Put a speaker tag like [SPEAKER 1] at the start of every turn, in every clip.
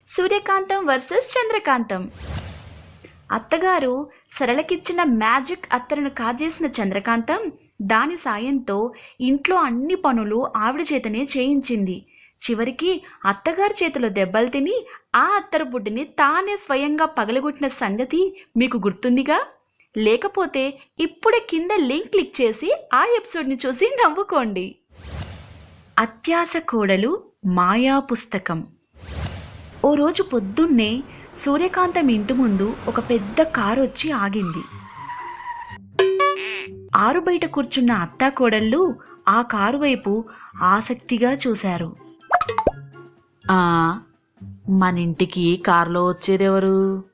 [SPEAKER 1] సూర్యకాంతం versus చంద్రకాంతం. అత్తగారు సరళకిచ్చిన magic అత్తరును కాజేసిన చంద్రకాంతం దాని సాయంతో ఇంట్లో అన్ని పనులు ఆవిడ చేతనే చేయించింది. చివరికి అత్తగారి చేతిలో దెబ్బలు తిని ఆ అత్తరు బుడ్డిని తానే స్వయంగా పగలగొట్టిన సంగతి మీకు గుర్తుందిగా? లేకపోతే ఇప్పుడే కింద లింక్ క్లిక్ చేసి ఆ ఎపిసోడ్ని చూసి నవ్వుకోండి. అత్యాశ కోడలు మాయా పుస్తకం. ఓ రోజు పొద్దున్నే సూర్యకాంతం ఇంటి ముందు ఒక పెద్ద కారు వచ్చి ఆగింది. ఆరు బయట కూర్చున్న అత్తా కోడళ్ళు ఆ కారు వైపు ఆసక్తిగా చూశారు. మన ఇంటికి కారులో వచ్చేదెవరు?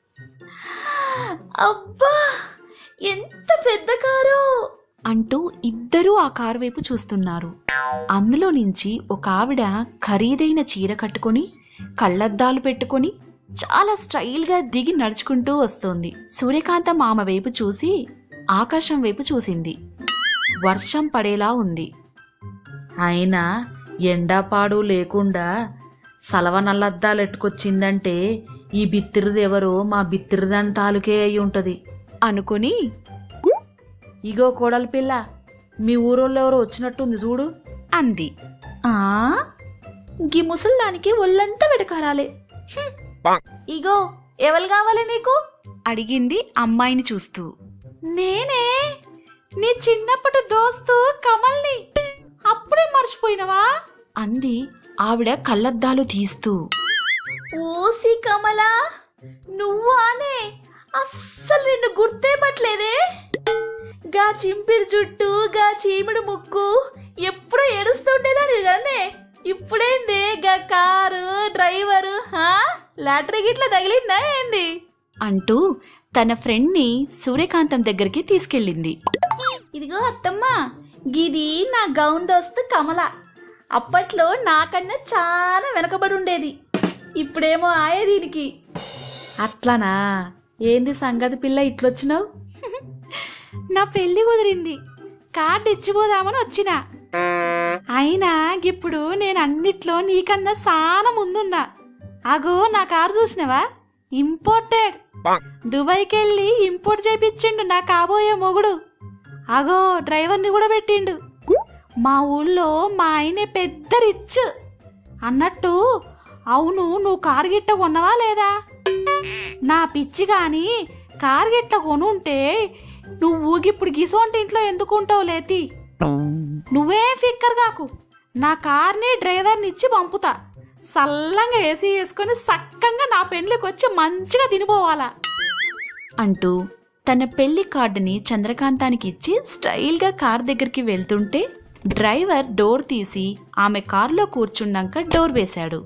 [SPEAKER 1] అబ్బా, ఎంత పెద్ద కారు అంటూ ఇద్దరూ ఆ కారు వైపు చూస్తున్నారు. అందులో నుంచి ఒక ఆవిడ ఖరీదైన చీర కట్టుకొని కళ్ళద్దాలు పెట్టుకొని చాలా స్టైల్గా దిగి నడుచుకుంటూ వస్తోంది. సూర్యకాంతం ఆమె వైపు చూసి ఆకాశం వైపు చూసింది. వర్షం పడేలా ఉంది. అయినా ఎండాపాడు లేకుండా సలవ నల్లద్దాలు ఎట్టుకొచ్చిందంటే ఈ బిత్తిరిదెవరో మా బిత్తిరిదాని తాలూకే అయి ఉంటది అనుకుని, ఇగో కోడలి పిల్ల, మీ ఊరోళ్ళు ఎవరో వచ్చినట్టుంది చూడు అంది. గీ ముసల్దానికి ఒళ్ళంతా వెటకారాలే. ఇగో ఎవరు కావాలి నీకు అడిగింది అమ్మాయిని చూస్తూ. నేనే, నీ చిన్నప్పటి దోస్తు కమల్ని. అప్పుడే మర్చిపోయినవా అంది ఆవిడ కళ్ళద్దాలు తీస్తూ. ఓసి కమలా, నువ్వానే? అస్సలు నిన్ను గుర్తే పట్టలేదే. గా చింపిరి జుట్టు, గా చీమిడి ముక్కు ఎప్పుడో ఏడుస్తుండేదాన్ని కదనే. ఇప్పుడేంది గా కారు డ్రైవరు? లాటరీ గిట్లా తగిలిందా ఏంది అంటూ తన ఫ్రెండ్ని సూర్యకాంతం దగ్గరికి తీసుకెళ్ళింది. ఇదిగో అత్తమ్మ, గిది నా గౌన్ దోస్తు కమల. అప్పట్లో నాకన్నా చాలా వెనకబడి ఉండేది, ఇప్పుడేమో ఆయే దీనికి. అట్లానా? ఏంది సంగతి పిల్ల ఇట్లొచ్చినావు? నా పెళ్లి కుదిరింది, కార్డు ఇచ్చిపోదామని వచ్చినా. అయినా ఇప్పుడు నేను అన్నిట్లో నీకన్నా చాలా ముందున్నా. అగో నా కారు చూసినవా? ఇంపోర్టెడ్. దుబాయ్కి వెళ్ళి ఇంపోర్ట్ చేయించిండు నా కాబోయే మొగుడు. అగో డ్రైవర్ని కూడా పెట్టిండు. మా ఊళ్ళో మా ఆయనే పెద్ద రిచ్. అన్నట్టు అవును, నువ్వు కారు గిట్ట కొన్నవా లేదా? నా పిచ్చి గాని కారు గిట్ట కొనుంటే నువ్వు ఊగిప్పుడు గిసోంటి ఇంట్లో ఎందుకుంటావు లేతి. నువ్వేం ఫిక్కర్ కాకు, నా కార్ని డ్రైవర్ని ఇచ్చి పంపుతా. సల్లంగా ఏసీ వేసుకొని సక్కంగా నా పెండ్లికి వచ్చి మంచిగా తినిపోవాలా అంటూ తన పెళ్లి కార్డుని చంద్రకాంతానికి ఇచ్చి స్టైల్గా కార్ దగ్గరికి వెళ్తుంటే డ్రైవర్ డోర్ తీసి ఆమె కారులో కూర్చున్నాక డోర్ వేశాడు.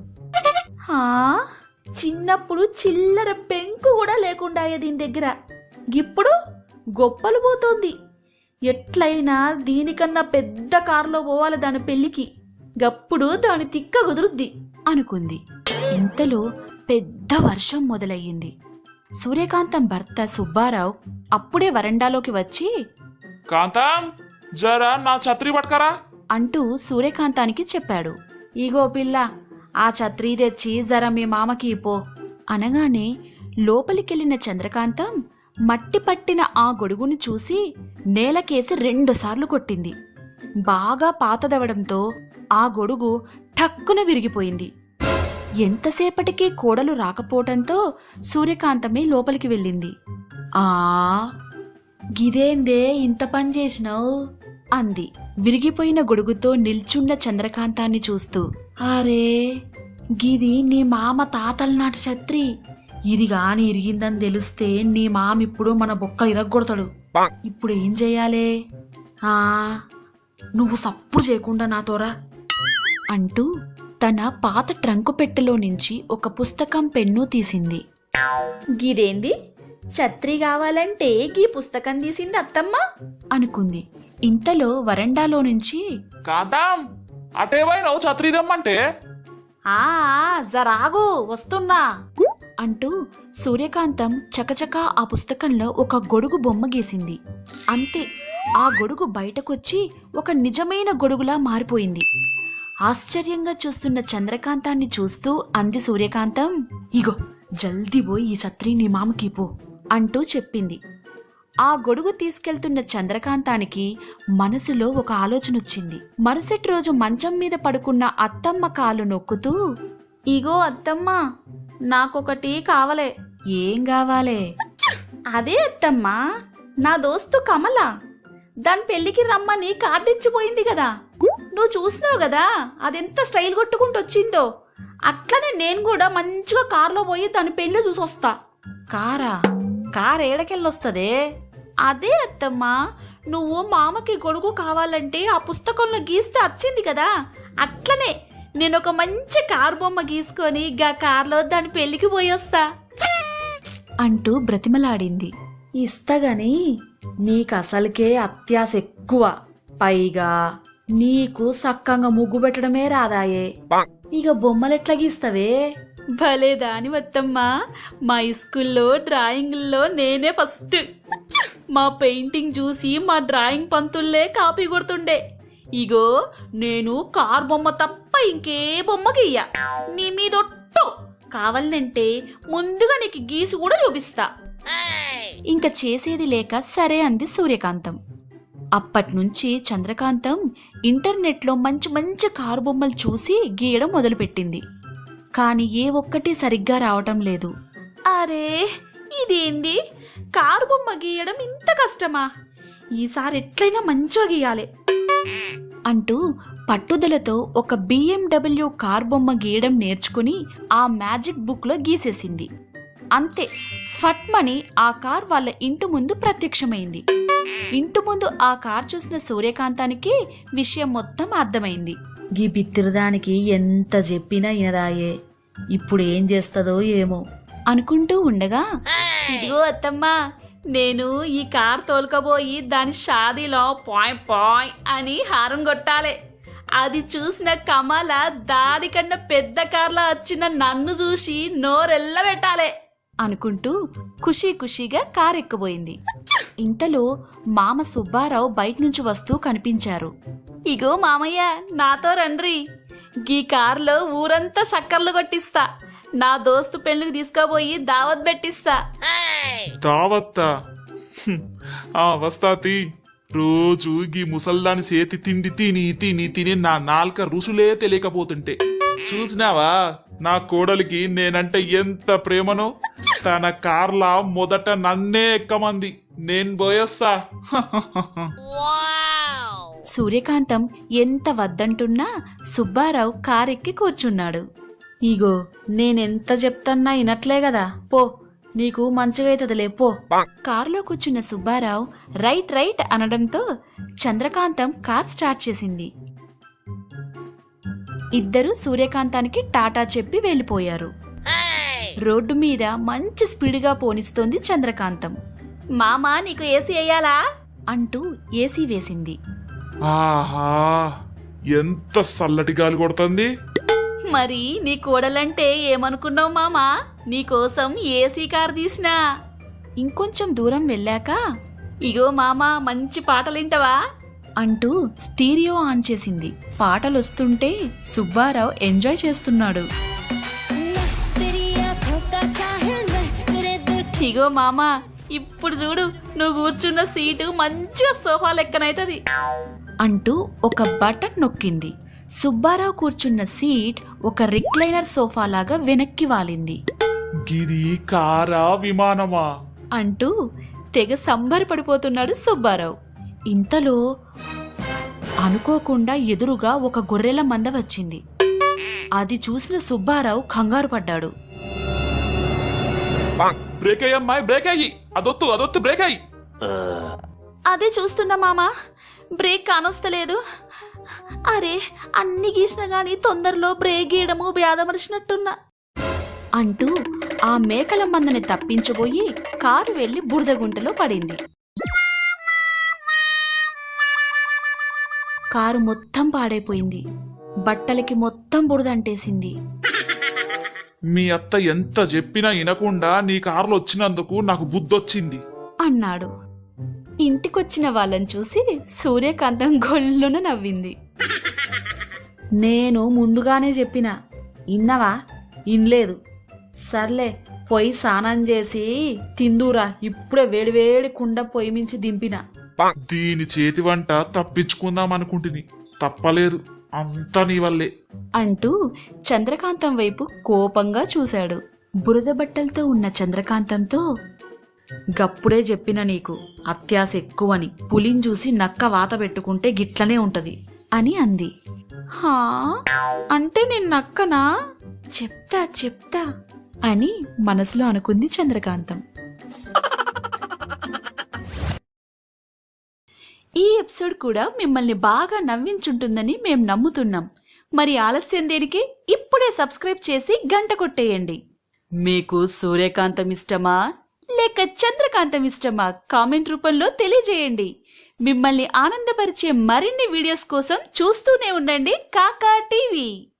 [SPEAKER 1] చిన్నప్పుడు చిల్లర పెంకు కూడా లేకుండా దీని దగ్గర ఇప్పుడు గొప్పలు పోతోంది. ఎట్లయినా దీనికన్నా పెద్ద కారులో పోవాలి దాని పెళ్లికి, గప్పుడు దాని తిక్క కుదురుద్ది అనుకుంది. ఇంతలో పెద్ద వర్షం మొదలయ్యింది. సూర్యకాంతం భర్త సుబ్బారావు అప్పుడే వరండాలోకి వచ్చి,
[SPEAKER 2] కాంతం, జరా నా ఛత్రి పట్టుకరా
[SPEAKER 1] అంటూ సూర్యకాంతానికి చెప్పాడు. ఇగో పిల్ల, ఆ ఛత్రీ తెచ్చి జర మీ మామకి పో అనగానే లోపలికెళ్లిన చంద్రకాంతం మట్టి పట్టిన ఆ గొడుగును చూసి నేలకేసి 2 సార్లు కొట్టింది. బాగా పాతదవడంతో ఆ గొడుగు ఠక్కున విరిగిపోయింది. ఎంతసేపటికి కోడలు రాకపోవటంతో సూర్యకాంతమే లోపలికి వెళ్ళింది. గిదేందే ఇంత పని చేసినావు అంది విరిగిపోయిన గొడుగుతో నిల్చున్న చంద్రకాంతాన్ని చూస్తూ. అరే, గిది నీ మామ తాతల నాటి ఛత్రి. ఇది గాని ఇరిగిందని తెలిస్తే నీ మామిప్పుడు మన బొక్కలు ఇరగొడతాడు. ఇప్పుడు ఏం చెయ్యాలే? నువ్వు సప్పుడు చేయకుండా నాతోరా అంటూ తన పాత ట్రంకు పెట్టెలో నుంచి ఒక పుస్తకం పెన్ను తీసింది. గిదేంది, ఛత్రి కావాలంటే గీ పుస్తకం తీసింది అత్తమ్మ అనుకుంది. ఇంతలో వరండాలో నుంచి,
[SPEAKER 2] కాంతం, అటే పోయినావు ఛత్రి దమ్మంటే.
[SPEAKER 1] జరాగు వస్తున్నా అంటూ సూర్యకాంతం చకచకా ఆ పుస్తకంలో ఒక గొడుగు బొమ్మ గీసింది. అంతే, ఆ గొడుగు బయటకొచ్చి ఒక నిజమైన గొడుగులా మారిపోయింది. ఆశ్చర్యంగా చూస్తున్న చంద్రకాంతాన్ని చూస్తూ అంది సూర్యకాంతం. ఇగో జల్దీ పోయి ఈ ఛత్రి నీ మామకి పో అంటూ చెప్పింది. ఆ గొడుగు తీసుకెళ్తున్న చంద్రకాంతానికి మనసులో ఒక ఆలోచనొచ్చింది. మరుసటి రోజు మంచం మీద పడుకున్న అత్తమ్మ కాలు నొక్కుతూ, ఇగో అత్తమ్మ, నాకొకటి కావలే. ఏం కావాలే? అదే అత్తమ్మ, నా దోస్తు కమల దాని పెళ్లికి రమ్మని కార్డిచ్చిపోయింది కదా. నువ్వు చూసినావు కదా అదెంత స్టైల్ కొట్టుకుంటూ వచ్చిందో. అట్లనే నేను కూడా మంచిగా కార్లో పోయి దాని పెళ్లి చూసొస్తా. కారా? కార్ ఏడకెళ్ళొస్తదే? అదే అత్తమ్మా, నువ్వు మామకి గొడుగు కావాలంటే ఆ పుస్తకంలో గీస్తే వచ్చింది కదా, అట్లనే నేను ఒక మంచి కార్ బొమ్మ గీసుకొని గా కార్లో దాని పెళ్లికి పోయొస్తా అంటూ బ్రతిమలాడింది. ఇస్తగాని నీకు అసలుకే అత్యాశ ఎక్కువ, పైగా నీకు సక్కంగా ముగ్గు పెట్టడమే రాదాయే, ఇక బొమ్మలెట్లా గీస్తావే? భలే దాని వత్తమ్మా, మా స్కూల్లో డ్రాయింగ్లో నేనే ఫస్ట్. మా పెయింటింగ్ చూసి మా డ్రాయింగ్ పంతుల్లే కాపీ కొడుతుండే. ఇగో నేను కార్ బొమ్మ తప్ప ఇంకే బొమ్మ గీయ. నీ మీదొట్టు కావాలంటే ముందుగా నీకు గీసి కూడా చూపిస్తా. ఇంక చేసేది లేక సరే అంది సూర్యకాంతం. అప్పట్నుంచి చంద్రకాంతం ఇంటర్నెట్లో మంచి మంచి కారు బొమ్మలు చూసి గీయడం మొదలుపెట్టింది. కాని ఏ ఒక్కటి సరిగ్గా రావటం లేదు. అరే ఇదేంది, కారు బొమ్మ గీయడం ఇంత కష్టమా? ఈసారి ఎట్లయినా మంచిగా గీయాలి అంటూ పట్టుదలతో ఒక BMW కార్ బొమ్మ గీయడం నేర్చుకుని ఆ మ్యాజిక్ బుక్లో గీసేసింది. అంతే, ఫట్మని ఆ కార్ వాళ్ళ ఇంటి ముందు ప్రత్యక్షమైంది. ఇంటి ముందు ఆ కార్ చూసిన సూర్యకాంతానికి విషయం మొత్తం అర్థమైంది. గీ బిత్తిరదానికి ఎంత చెప్పినా ఇనదాయే, ఇప్పుడు ఏం చేస్తుందో ఏమో అనుకుంటూ ఉండగా, ఇదిగో అత్తమ్మా, నేను ఈ కార్ తోలుకబోయి దాని షాదీలో పాయ్ పాయ్ అని హారం కొట్టాలి. అది చూసిన కమల దానికన్నా పెద్ద కార్లా వచ్చిన నన్ను చూసి నోరెల్ల పెట్టాలి అనుకుంటూ ఖుషీ ఖుషీగా కారు ఎక్కబోయింది. ఇంతలో మామ సుబ్బారావు బయటనుంచి వస్తూ కనిపించారు. ఇగో మామయ్య, నాతో రండ్రి, గీ కార్లో ఊరంతా చక్కర్లు కొట్టిస్తా. నా దోస్తు పెళ్లికి తీసుకుపోయి దావత్ పెట్టిస్తా.
[SPEAKER 2] దావత్తా? వస్తాతి. రోజు గీ ముసల్దాని చేతి తిండి తిని తిని తిని నా నాల్క రుసులే తెలియకపోతుంటే చూసినావా నా కోడలికి నేనంటే ఎంత ప్రేమనో. తన కార్లా మొదట నన్నే ఎక్కమంది, నేను పోయేస్తా.
[SPEAKER 1] సూర్యకాంతం ఎంత వద్దంటున్నా సుబ్బారావు కారెక్కి కూర్చున్నాడు. ఇగో నేనెంత చెప్తన్నా వినట్లే కదా, పో, నీకు మంచిగైతదిలే పో. కారులో కూర్చున్న సుబ్బారావు రైట్ రైట్ అనడంతో చంద్రకాంతం కార్ స్టార్ట్ చేసింది. ఇద్దరూ సూర్యకాంతానికి టాటా చెప్పి వెళ్ళిపోయారు. రోడ్డు మీద మంచి స్పీడ్గా పోనిస్తోంది చంద్రకాంతం. మామా, నీకు ఏసీ వేయాలా అంటూ ఏసీ వేసింది.
[SPEAKER 2] ఆహా, ఎంత చల్లటి గాలి కొడుతుంది.
[SPEAKER 1] మరి నీ కోడలంటే ఏమనుకున్నావు మామా, నీకోసం ఏసీ కార్ తీసినా. ఇంకొంచెం దూరం వెళ్ళాక, ఇగో మామా, మంచి పాటలింటవా అంటూ స్టీరియో ఆన్ చేసింది. పాటలొస్తుంటే సుబ్బారావు ఎంజాయ్ చేస్తున్నాడు. ఇగో మామా, ఇప్పుడు చూడు, నువ్వు కూర్చున్న సీటు మంచిగా సోఫా లెక్కనైతది అంటూ ఒక బటన్ నొక్కింది. సుబ్బారావు కూర్చున్న సీట్ ఒక రిక్లైనర్ సోఫా లాగా వెనక్కి వాలింది.
[SPEAKER 2] గిది కారా విమానమా
[SPEAKER 1] అంటూ తెగ సంబరపడిపోతున్నాడు సుబ్బారావు. ఇంతలో అనుకోకుండా ఎదురుగా ఒక గొర్రెల మంద వచ్చింది. అది చూసిన సుబ్బారావు కంగారు పడ్డాడు.
[SPEAKER 2] బ్రేక్ అయ్యమ్మాయి, బ్రేక్ అయ్యి, అదొత్తు బ్రేక్ అయ్యి.
[SPEAKER 1] అదే చూస్తున్నా మామా, బ్రేక్ కానొస్తలేదు. అరే, అన్ని గీసిన గాని తొందరలో బ్రేక్ గీయడము బ్యాదమరిచినట్టున్నా అంటూ ఆ మేకల మందని తప్పించబోయి కారు వెళ్లి బురదగుంటలో పడింది. కారు మొత్తం పాడైపోయింది. బట్టలకి మొత్తం బురదంటేసింది.
[SPEAKER 2] మీ అత్త ఎంత చెప్పినా వినకుండా నీ కారులో వచ్చినందుకు నాకు బుద్ధొచ్చింది
[SPEAKER 1] అన్నాడు. ఇంటికొచ్చిన వాళ్ళని చూసి సూర్యకాంతం గొల్లున నవ్వింది. నేను ముందుగానే చెప్పిన ఇన్నవా ఇన్లేదు. సర్లే పొయ్యి స్నానం చేసి తిందురా, ఇప్పుడే వేడివేడి కుండ పొయ్యి మించి దింపిన.
[SPEAKER 2] దీని చేతి వంట తప్పించుకుందాం అనుకుంటుని, తప్పలేదు, అంతా నీ వల్లే
[SPEAKER 1] అంటూ చంద్రకాంతం వైపు కోపంగా చూశాడు. బురద బట్టలతో ఉన్న చంద్రకాంతంతో, గప్పుడే చెప్పిన నీకు అత్యాశ ఎక్కువని, పులిని చూసి నక్క వాత పెట్టుకుంటే గిట్లనే ఉంటది అని అంది. హా అంటే నేను నక్కనా? చెప్తా చెప్తా అని మనసులో అనుకుంది చంద్రకాంతం. ఈ ఎపిసోడ్ కూడా మిమ్మల్ని బాగా నవ్వించుంటుందని మేం నమ్ముతున్నాం. మరి ఆలస్యం దేనికి? ఇప్పుడే సబ్స్క్రైబ్ చేసి గంట కొట్టేయండి. మీకు సూర్యకాంతం ఇష్టమా లేక చంద్రకాంతం ఇష్టమా? కామెంట్ రూపంలో తెలియజేయండి. మిమ్మల్ని ఆనందపరిచే మరిన్ని వీడియోస్ కోసం చూస్తూనే ఉండండి కాకా టీవీ.